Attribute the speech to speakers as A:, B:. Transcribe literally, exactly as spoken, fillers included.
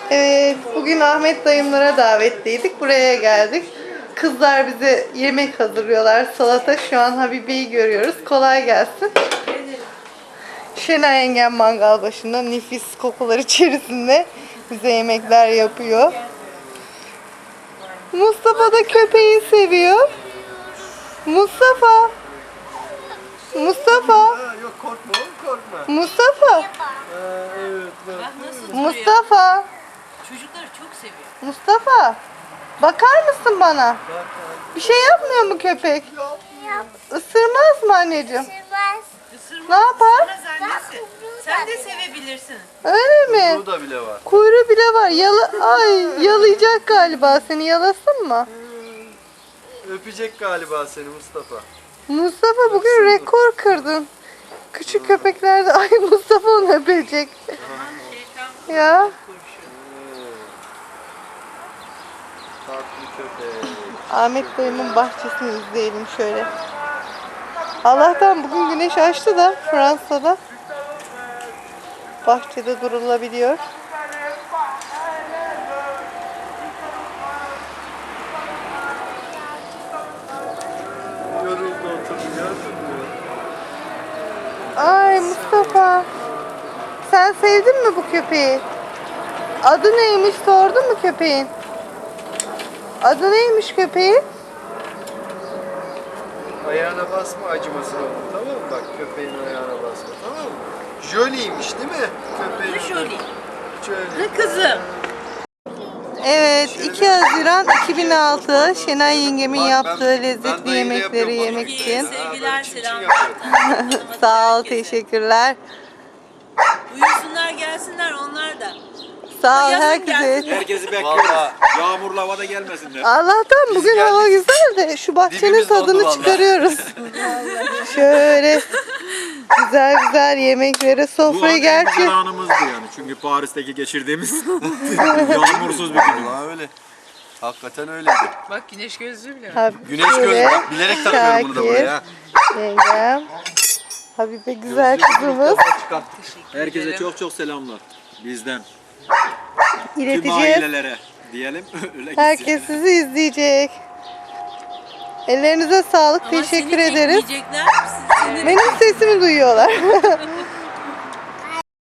A: Evet, bugün Ahmet dayımlara davetliydik. Buraya geldik. Kızlar bize yemek hazırlıyorlar. Salata. Şu an Habibe'yi görüyoruz. Kolay gelsin. Şenay yengem mangal başında nefis kokular içerisinde bize yemekler yapıyor. Mustafa da köpeği seviyor. Mustafa. Mustafa.
B: Ha, yok korkma oğlum, korkma.
A: Mustafa.
B: Ha, evet bak.
C: Bak nasıl
A: Mustafa.
C: Çocukları çok seviyor.
A: Mustafa. Bakar mısın bana?
B: Bak, bak.
A: Bir şey yapmıyor mu köpek? Isırmaz mı anneciğim?
C: Isırmaz.
A: Ne yapar?
C: Isırmaz annesi. Sen de sevebilirsin.
A: Öyle mi?
B: Burada bile var.
A: Kuyruğu bile var. Yala Ay, yalayacak galiba seni. Yalasın mı?
B: Öpecek galiba seni Mustafa.
A: Mustafa bugün rekor kırdın. Küçük köpeklerde ay Mustafa onu öpecek. Ya.
B: Tatlı köpek.
A: Ahmet dayımın bahçesini izleyelim şöyle. Allah'tan bugün güneş açtı da Fransa'da bahçede durulabiliyor.
B: Yoruldu oturdu gördün mü?
A: Ay Mustafa. Sen sevdin mi bu köpeği? Adı neymiş sordun mu köpeğin? Adı neymiş köpeğin?
B: Ayağına basma, acımasın oğlum, tamam mı? Bak köpeğin ayağına basma, tamam mı? Jolie'ymiş değil mi? Köpeğin
C: Bu
B: adı.
C: Jolie.
B: Jolie.
C: Ha kızım.
A: Evet, iki Haziran iki bin altı Şenay yengemin
B: Bak,
A: yaptığı
B: ben- ben
A: lezzetli
B: dayıyla
A: yemekleri
B: yapıyorum
A: yemek
B: bak.
A: için.
B: Ha,
C: Sevgiler,
B: böyle çim çim
C: selamlar.
B: yapıyorum.
A: Sağ ol,
C: Herkese.
A: teşekkürler.
C: Uyusunlar gelsinler onlar da.
A: Sağ ol
C: Yazın
A: herkese.
C: gelsinler.
D: Herkesi bekliyoruz.
B: Vallahi.
D: Yağmurlu havada gelmesinler.
A: Allah'tan bugün
B: geldik.
A: hava güzel de şu bahçenin
B: Dibimiz dondu
A: tadını
B: vallahi.
A: çıkarıyoruz. Şöyle güzel güzel yemeklere
D: Bu
A: sofrayı
D: an en
A: gerçi
D: güzel anımızdı yani. Çünkü Paris'teki geçirdiğimiz yağmursuz bir gün.
B: Vallahi öyle. Hakikaten öyleydi.
C: Bak güneş gözlüğü bile var.
A: Habibe,
B: Güneş gözü bak, bilerek takıyorum bunu da buraya.
A: yengem, Habibe güzel kızımız.
D: Herkese çok çok selamlar. Bizden. Tüm
A: İleteceğiz.
D: ailelere diyelim. Öyle gitsin.
A: Herkes sizi izleyecek. Ellerinize sağlık.
C: Ama
A: Teşekkür
C: seni
A: ederiz.
C: bekleyecekler. Seni
A: Benim sesimi duyuyorlar.